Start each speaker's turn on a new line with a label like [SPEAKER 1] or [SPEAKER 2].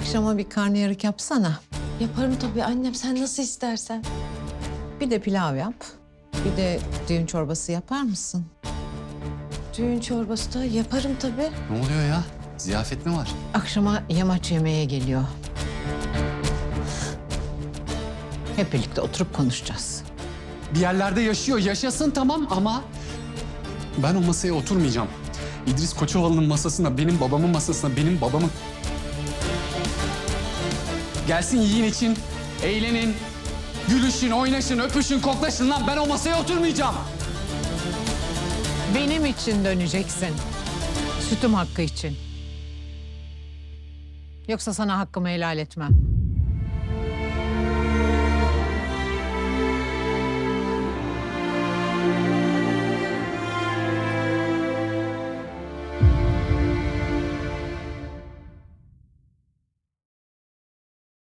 [SPEAKER 1] Akşama bir karnıyarık yapsana.
[SPEAKER 2] Yaparım tabii annem, sen nasıl istersen.
[SPEAKER 1] Bir de pilav yap. Bir de düğün çorbası yapar mısın?
[SPEAKER 2] Düğün çorbası da yaparım tabii.
[SPEAKER 3] Ne oluyor ya? Ziyafet mi var?
[SPEAKER 1] Akşama yamaç yemeğe geliyor. Hep birlikte oturup konuşacağız.
[SPEAKER 3] Bir yerlerde yaşıyor, yaşasın tamam ama... Ben o masaya oturmayacağım. İdris Koçovalı'nın masasına, benim babamın masasına, benim babamın... Gelsin yiyin için, eğlenin, gülüşün, oynaşın, öpüşün, koklaşın lan. Ben o masaya oturmayacağım.
[SPEAKER 1] Benim için döneceksin. Sütüm hakkı için. Yoksa sana hakkımı helal etmem.